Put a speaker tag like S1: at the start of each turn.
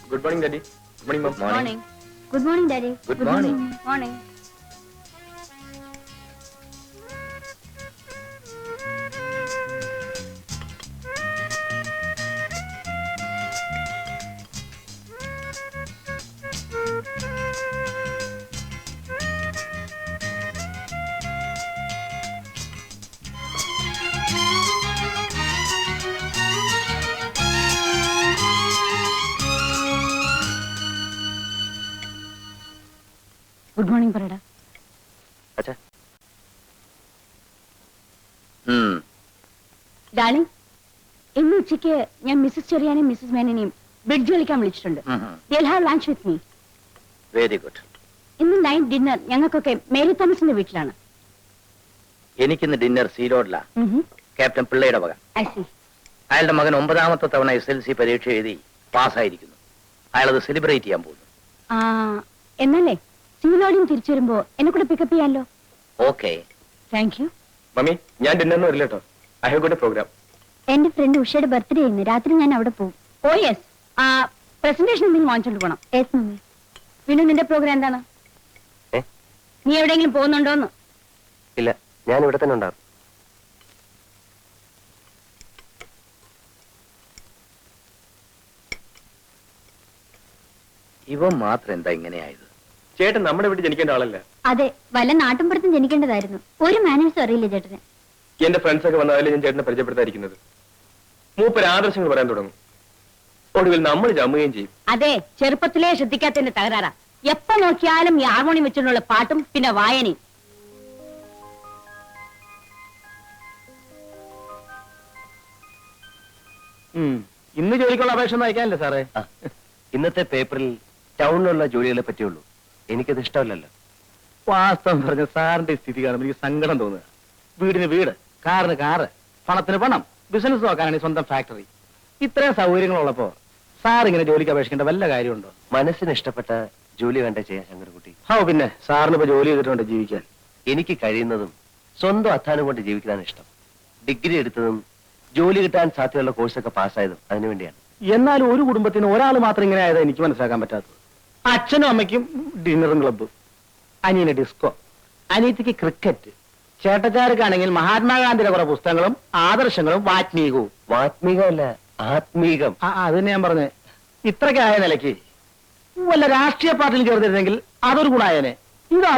S1: Good morning, Daddy. Good morning, Mom.
S2: Morning.
S3: Good morning, Daddy.
S2: Good morning.
S3: Morning.
S2: Good morning പറയടാ.
S1: അച്ഛാ.
S2: Darling, ഇന്ന് ഉച്ചയ്ക്ക് ഞാൻ Mrs ചെറിയാനെയും മിസ്സസ് മേനനെയും ബ്രിഡ്ജ് കളിക്കാൻ വിളിച്ചിട്ടുണ്ട്. They'll have lunch with me.
S1: Very good.
S2: ഇന്ന് നൈറ്റ് ഡിന്നർ ഞങ്ങൾക്കൊക്കെ മേരി തോമസിന്റെ വീട്ടിലാണ്.
S1: എനിക്കിന്ന് ഡിന്നർ സീറോഡിലാ. ക്യാപ്റ്റൻ പിള്ളയുടെ വക.
S2: I see.
S1: അയാളുടെ മകൻ 9ാമത്തെ തവണ SLC പരീക്ഷ എഴുതി പാസ്സായിരിക്കുന്നു. അയാളത് സെലിബ്രേറ്റ് ചെയ്യാൻ പോകുന്നു.
S2: എന്നല്ലേ സിവിലോടിയും തിരിച്ചു വരുമ്പോ എന്നെ കൂടെ പിക്കപ്പ് ചെയ്യാമല്ലോ.
S1: ഓക്കെ.
S2: Thank you.
S4: മമ്മി, ഞാൻ ഡിന്നറിന് വരില്ല കേട്ടോ. I have got a program.
S3: എന്റെ ഫ്രണ്ട് ഉഷയുടെ ബർത്ത്ഡേ ഇന്ന് രാത്രി ഞാൻ അവിടെ പോകും.
S2: ഓ യെസ്. പ്രസന്റേഷൻ എന്തെങ്കിലും വാങ്ങിച്ചോണ്ട് പോണം.
S3: Yes mummy.
S2: പിന്നെ നിന്റെ പ്രോഗ്രാം എന്താണ്? നീ എവിടെയെങ്കിലും പോകുന്നുണ്ടോന്ന്?
S4: ഇല്ല, ഞാൻ ഇവിടെ തന്നെ ഉണ്ടാകും.
S1: ഇവൻ മാത്രം എന്താ ഇങ്ങനെയായത്?
S4: ചേട്ടൻ നമ്മുടെ വീട്ടിൽ ജനിക്കേണ്ട ആളല്ല.
S3: അതെ, വല്ല നാട്ടുമ്പുറത്തും ജനിക്കേണ്ടതായിരുന്നു. ഒരു മാനേഴ്സും അറിയില്ല ചേട്ടന്.
S4: എന്റെ ഫ്രണ്ട്സ് ഒക്കെ വന്നാലേ ഞാൻ ചേട്ടനെ പരിചയപ്പെടുത്താതിരിക്കുന്നത്. മൂപ്പര് ആദർശങ്ങൾ പറയാൻ തുടങ്ങും. ഒടുവിൽ നമ്മൾ ജമ്മുകയും ചെയ്യും.
S2: അതെ, ചെറുപ്പത്തിലേ ശ്രദ്ധിക്കാത്തതിന്റെ തകരാറാ. എപ്പോ നോക്കിയാലും ഈ ഹാർമോണിയം വെച്ചുകൊണ്ടുള്ള പാട്ടും പിന്നെ വായനയും.
S4: ഇന്ന് ജോലിക്കുള്ള അപേക്ഷ ഒന്നും അയക്കാനല്ലേ സാറേ? ഇന്നത്തെ പേപ്പറിൽ ടൗണിലുള്ള ജോലികളെ പറ്റിയുള്ളൂ. എനിക്കത് ഇഷ്ടമല്ലല്ലോ. വാസ്തവം പറഞ്ഞ സാറിന്റെ സ്ഥിതി കാണുമ്പോൾ എനിക്ക് സങ്കടം തോന്നുക. വീടിന് വീട്, കാറിന് കാറ്, പണത്തിന് പണം, ബിസിനസ് നോക്കാനാണ് സ്വന്തം ഫാക്ടറി. ഇത്രയും സൗകര്യങ്ങളുള്ളപ്പോ സാർ ഇങ്ങനെ ജോലിക്ക് അപേക്ഷിക്കേണ്ട വല്ല കാര്യമുണ്ടോ? മനസ്സിന് ഇഷ്ടപ്പെട്ട ജോലി വേണ്ട ചെയ്യാൻ ശങ്കരൻകുട്ടി. പിന്നെ സാറിന് ഇപ്പൊ ജോലി ചെയ്തിട്ടുണ്ട് ജീവിക്കാൻ. എനിക്ക് കഴിയുന്നതും സ്വന്തം അധ്വാനം കൊണ്ട് ജീവിക്കാനാണ് ഇഷ്ടം. ഡിഗ്രി എടുത്തതും ജോലി കിട്ടാൻ സാധ്യതയുള്ള കോഴ്സൊക്കെ പാസ്സായതും അതിനുവേണ്ടിയാണ്. എന്നാലും ഒരു കുടുംബത്തിന് ഒരാൾ മാത്രം ഇങ്ങനെ ആയതാ എനിക്ക് മനസ്സിലാക്കാൻ പറ്റാത്തത്. അച്ഛനും അമ്മയ്ക്കും ഡിന്നറും ക്ലബ്ബും, അനിയന് ഡിസ്കോ, അനിയത്തിക്ക് ക്രിക്കറ്റ്, ചേട്ടച്ചാർക്കാണെങ്കിൽ മഹാത്മാഗാന്ധിയുടെ കുറെ പുസ്തകങ്ങളും ആദർശങ്ങളും വാത്മീകവും. വാത്മീകമല്ല, ആത്മീകം. അത് തന്നെ ഞാൻ പറഞ്ഞേ. ഇത്രയ്ക്കായ നിലയ്ക്ക് വല്ല രാഷ്ട്രീയ പാർട്ടിയിൽ ചേർന്നിരുന്നെങ്കിൽ അതൊരു ഗുണായനെ. ഇത്